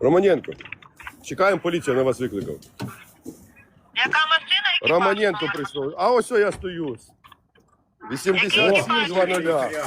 Романенко, чекаємо, поліція на вас викликав. Яка машина? Екіпаж? Романенко прийшов. А ось я стою. 87-00.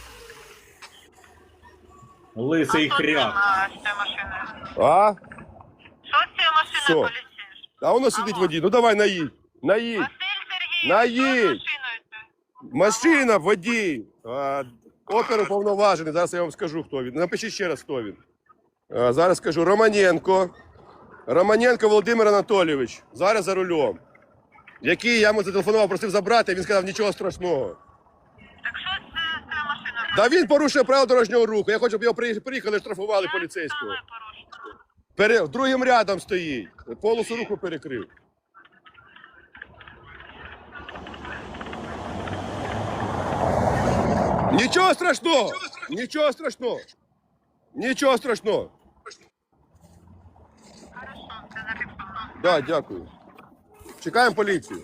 Лисий хряк. З цією машиною. А? Що з цією машиною Що? поліцейський? А воно сидить водій. Ну давай наїдь. Наїдь. Василь Сергійович, що з Наїдь. машиною це? Машина, водій. Опер уповноважений. Зараз я вам скажу, хто він. Напишіть ще раз, хто він. Зараз скажу. Романенко. Романенко Володимир Анатолійович. Зараз за рулем. Який я йому зателефонував, просив забрати, він сказав, нічого страшного. Так що з цією машиною? Та він порушує правила дорожнього руху. Я хочу, щоб його приїхали, штрафували поліцейського. Саме порушення. Другим рядом стоїть. Полосу руху перекрив. Нічого страшного! Нічого страшного! Нічого страшного! Хорошо, це зафіксовано. Да, дякую. Чекаємо поліцію.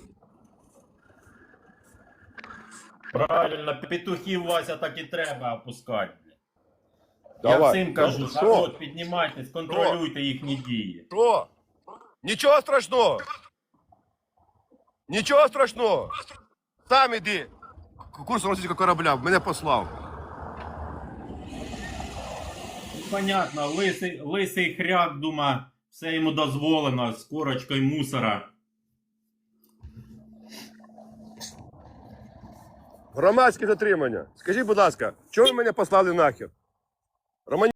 Правильно, петухів, Вася, так і треба опускати. Я Давай. всім кажу, Ну, що? народ, піднімайтесь, контролюйте їхні дії. Що? Нічого страшного! Нічого страшного! Сам іди. Курс російського корабля мене послав. Понятно, лисий хряк, дума, все йому дозволено з корочкою мусора. Громадське затримання. Скажіть, будь ласка, чого ви мене послали нахер?